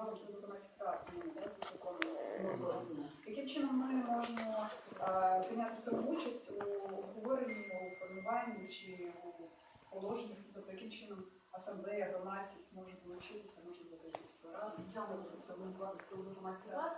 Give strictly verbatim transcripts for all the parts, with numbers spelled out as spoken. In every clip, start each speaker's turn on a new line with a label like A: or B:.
A: знову ж до громадських прав зміни, так, до закону. Яким чином ми можемо е, прийняти в цьому участь у обговоренні, у формуванні чи у положеннях, тобто яким чином асамблея, громадськість може долучитися, може бути якісь поради?
B: Я можу прокоментувати з приводу громадських рад.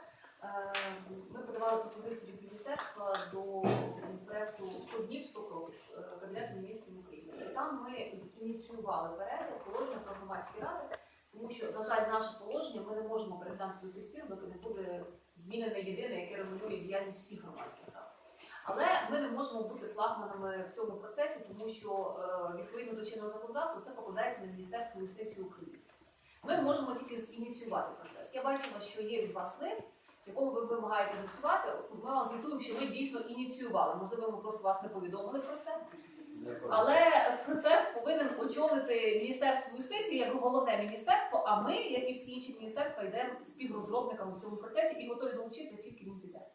B: Ми подавали пропозиції від міністерства до проєкту «Днів сто кроків» Кабінету міністрів України. І там ми ініціювали перегляд положення про громадські ради, тому що, на жаль, наше положення ми не можемо переглянути до тих пір, доки не буде змінене єдине, яке регулює діяльність всіх громадських рад. Але ми не можемо бути флагманами в цьому процесі, тому що відповідно до чинного законодавства це покладається на Міністерство юстиції України. Ми можемо тільки ініціювати процес. Я бачила, що є від вас лист, в якому ви вимагаєте ініціювати. Ми вам звітуємо, що ми дійсно ініціювали. Можливо, ми просто вас не повідомили про це. Але процес повинен очолити Міністерство юстиції як головне міністерство, а ми, як і всі інші міністерства, йдемо співрозробниками в цьому процесі і готові долучитися, тільки він піде.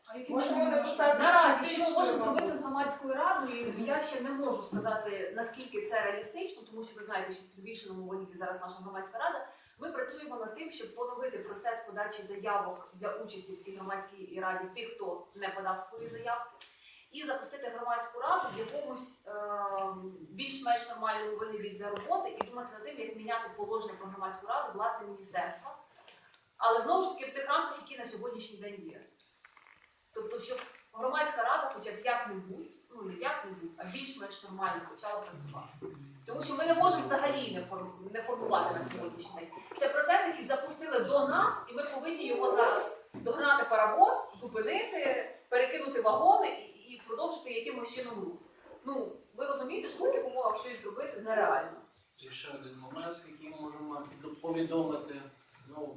B: Наразі, що ми можемо зробити з громадською радою, я ще не можу сказати, наскільки це реалістично, тому що ви знаєте, що в підвішеному вигляді зараз наша громадська рада. Ми працюємо над тим, щоб поновити процес подачі заявок для участі в цій громадській раді тих, хто не подав свої заявки, і запустити громадську раду в якомусь е більш-менш нормальному вигляді для роботи і думати над тим, як міняти положення про громадську раду власне міністерства. Але знову ж таки в тих рамках, які на сьогоднішній день є. Тобто, щоб громадська рада хоча б як-небудь, ну не як-небудь, а більш-менш нормально почала працювати. Тому що ми не можемо взагалі не, форм... не формувати на сьогоднішній день. Це процес, який запустили до нас, і ми повинні його зараз догнати паровоз, зупинити, перекинути вагони і, і продовжити якимось чином рух. Ну, ви розумієте, що в таких умовах щось зробити нереально.
C: Є ще один момент, який ми можемо повідомити, ну,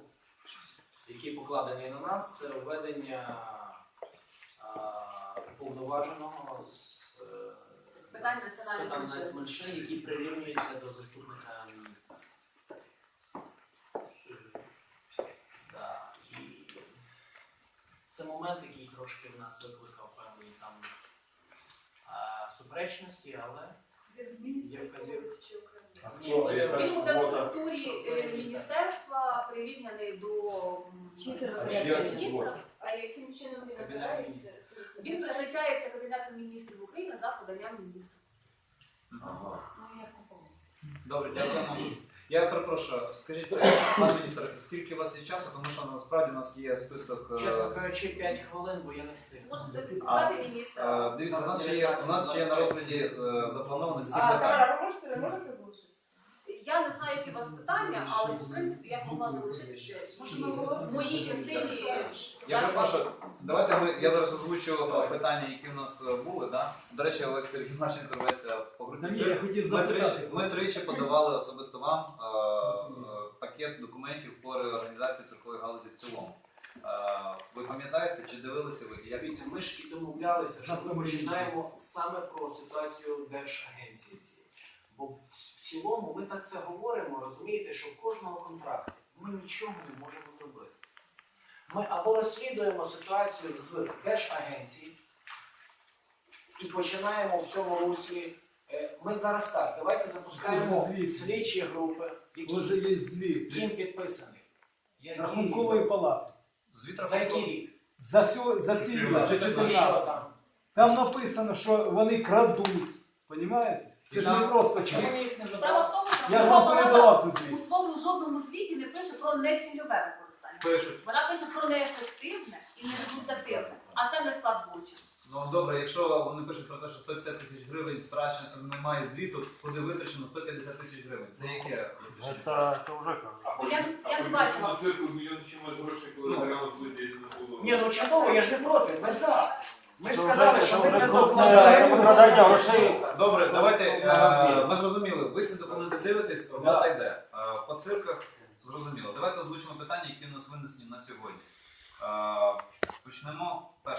C: який покладений на нас, це введення повноваженого з
B: питань національних
C: меншин, який прирівнюється до заступника міністра. Да. І це момент, який трошки в нас викликав певні там а, суперечності, але є вказівки.
B: Він буде в структурі міністерства прирівняний до міністра.
D: А яким чином він
C: Кабінет
D: обирається?
B: Він призначається Кабінетом міністрів України за поданням міністра.
E: Ага.
D: Ну, як такого?
E: Добре, дякуємо. Я перепрошую, скажіть, пане міністр, скільки у вас є часу, тому що насправді у нас є список.
C: Чесно кажучи, п'ять хвилин, бо я не встиг.
B: Можете відпускати міністра.
E: Е, Дивіться, у нас ще є, у нас ще є на розгляді е, заплановано сім
D: А,
E: питань.
D: Тамара, ви можете, можете залишитися?
B: Я не знаю, які у вас питання, але в принципі я б могла залишитися в моїй частині.
E: Я перепрошую, давайте ми, я зараз озвучу питання, які в нас були. Да? До речі, ось Сергій Марченко інтервенція по грудні.
F: Я хотів
E: Ми тричі,
F: запитати.
E: ми тричі подавали особисто вам е, е, пакет документів по реорганізації циркової галузі в цілому. Е, ви пам'ятаєте, чи дивилися ви? Я
C: Дивіться, ми ж і домовлялися, що ми починаємо саме про ситуацію Держагенції цієї. Бо в цілому ми так це говоримо, розумієте, що в кожному контракті ми нічого не можемо зробити. Ми або розслідуємо ситуацію з Держагенції і починаємо в цьому руслі. Е, Ми зараз так, давайте запускаємо
F: Звіт.
C: слідчі групи,
F: Ось
C: які
F: є звіт.
C: їм підписаний. Який
F: Рахункової палати.
E: звіт
C: За який рік?
F: За, сьо, за ці рік, вже
C: І що
F: чотирнадцять.
C: там?
F: Там написано, що вони крадуть. Понімаєте? Це ж не просто
C: Чому
F: чи.
C: вони їх не
B: Справа
C: забрали?
B: в тому, що
F: Я ж
B: Верховна
F: вам
B: Рада
F: передавав це
B: у
F: звіт.
B: своєму жодному звіті не пише про нецільове використання.
E: пишуть.
B: Вона пише про неефективне і нерезультативне, а це не склад злочину.
E: Ну добре, якщо вони пишуть про те, що сто п'ятдесят тисяч гривень втрачено, немає звіту, куди витрачено сто п'ятдесят тисяч гривень. Це яке?
G: Это, это уже как?
B: Я, я не бачила.
H: На цирку мільйон чимось грошей, коли заявок виділили на було.
C: Ні, ну чудово, я ж не проти, ми за. Ми ж
G: Це
C: сказали,
G: вже-
C: що
G: це
C: ми
G: вже
C: це
G: крупне
C: докладаємо.
G: викрадання грошей.
E: Добре, давайте,
G: Е,
E: е, ми зрозуміли, ви ці документи дивитесь, робота йде. Е, По цирках зрозуміло. Давайте озвучимо питання, які в нас винесені на сьогодні. Е, Почнемо перше.